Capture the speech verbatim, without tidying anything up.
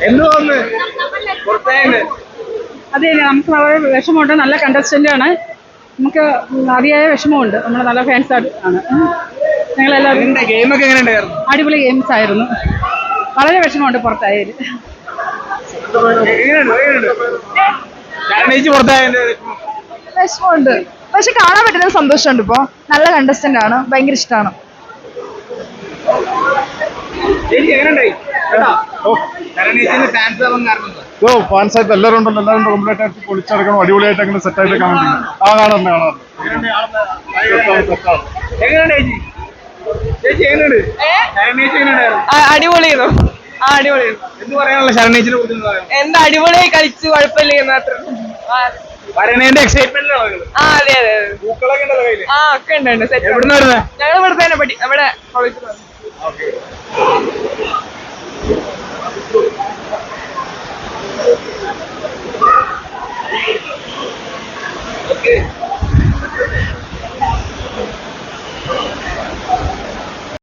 അതെ, നമുക്ക് വളരെ വിഷമമുണ്ട്. നല്ല കണ്ടസ്റ്റന്റ് ആണ്. നമുക്ക് അതിയായ വിഷമമുണ്ട്. നമ്മൾ നല്ല ഫാൻസ് ആണ് ഞങ്ങളെല്ലാവരും. ഗെയിമൊക്കെ എങ്ങനെയുണ്ടായിരുന്നു? അടിപൊളി ഗെയിംസ് ആയിരുന്നു. വളരെ വിഷമമുണ്ട് പുറത്തായാലും. വിഷമമുണ്ട്, പക്ഷെ കാണാൻ പറ്റുന്ന സന്തോഷമുണ്ട്. ഇപ്പോ നല്ല കണ്ടസ്റ്റന്റ് ആണ്, ഭയങ്കര ഇഷ്ടമാണ്. ഫാൻസായിട്ട് എല്ലാവരും ഉണ്ടല്ലോ, എല്ലാവരും കംപ്ലീറ്റ് ആയിട്ട് പൊളിച്ചടക്കണം, അടിപൊളിയായിട്ട് അങ്ങനെ സെറ്റ് ആയിട്ട് കാണാൻ ആ കാണാറുണ്ട് കാണാറുണ്ട് അടിപൊളിയായിരുന്നു. ആ അടിപൊളിയായിരുന്നു. എന്ത് പറയാനുള്ള ശരണേച്ചിനെ കുറിച്ച്? എന്താ അടിപൊളിയായി കളിച്ചു, കുഴപ്പമില്ല മാത്രം. വരണേന്റെ എക്സൈറ്റ്മെന്റ്. ആ അതെ അതെ അതെ. പൂക്കളൊക്കെ ഉണ്ടല്ലോ കയ്യില്. ആ ഒക്കെ ഉണ്ട്. എവിടുന്ന് വരുന്നത്? ഞങ്ങൾ ഇവിടെ തന്നെ പഠി നമ്മുടെ കോളേജിൽ.